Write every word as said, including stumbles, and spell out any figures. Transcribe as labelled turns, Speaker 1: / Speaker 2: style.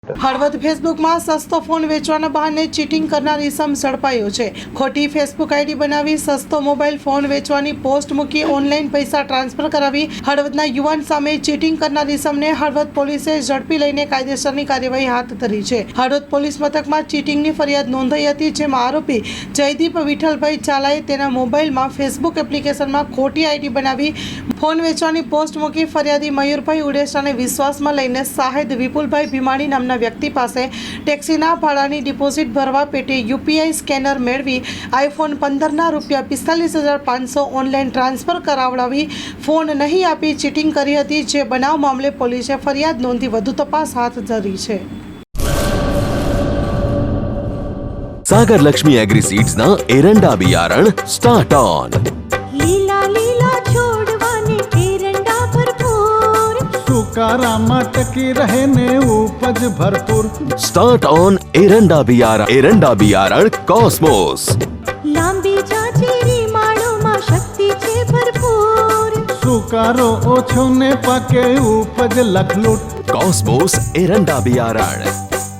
Speaker 1: હળવદ ફેસબુકમાં સસ્તો ફોન વેચવાના બહાને ચીટિંગ કરનાર ઇસમ ઝડપાયો છે। ખોટી ફેસબુક આઈડી બનાવી સસ્તો મોબાઈલ ફોન વેચવાની પોસ્ટ મૂકી ઓનલાઈન પૈસા ટ્રાન્સફર કરાવી હળવદના યુવાન સામે ચીટિંગ કરનાર ઇસમને હળવદ પોલીસે ઝડપી લઈને કાયદેસરની કાર્યવાહી હાથ ધરી છે। હળવદ પોલીસ મથકમાં ચીટિંગની ફરિયાદ નોંધાઈ હતી, જેમાં આરોપી જયદીપ વિઠ્ઠલભાઈ ચાલાએ તેના મોબાઈલમાં ફેસબુક એપ્લિકેશનમાં ખોટી આઈડી બનાવી ફોન વેચવાની પોસ્ટ મૂકી ફરિયાદી મયુરભાઈ ઉડેસાને વિશ્વાસમાં લઈને સાહેદ વિપુલભાઈ ભીમાણી નામના વ્યક્તિ પાસે ટેક્સીના ભાડાની ડિપોઝિટ ભરવા પેટે યુપીઆઈ સ્કેનર મેળવી આઈફોન પંદરના રૂપિયા પિસ્તાલીસ હજાર પાંચસો ઓનલાઈન ટ્રાન્સફર કરાવડાવી ફોન નહીં આપી ચીટિંગ કરી હતી, જે બનાવ મામલે પોલીસે ફરિયાદ નોંધી વધુ તપાસ હાથ ધરી છે।
Speaker 2: सागर लक्ष्मी एग्री सीड्स ना एरंडा बियारण स्टार्ट ऑन।
Speaker 3: લીલા લીલા છોડવાને એરંડા ભરપૂર,
Speaker 4: સુકારામાં ટકી રહે ને ઉપજ ભરપૂર।
Speaker 2: स्टार्ट ऑन एरंडा बियारण एरंડા बियारण कॉस्मोस।
Speaker 3: લાંબી જાચેરી માળોમાં શક્તિ છે ભરપૂર,
Speaker 4: સુકારો ઓછો ને પાકે ઉપજ લખલૂટ।
Speaker 2: कॉस्मोस एरंડા बियारण।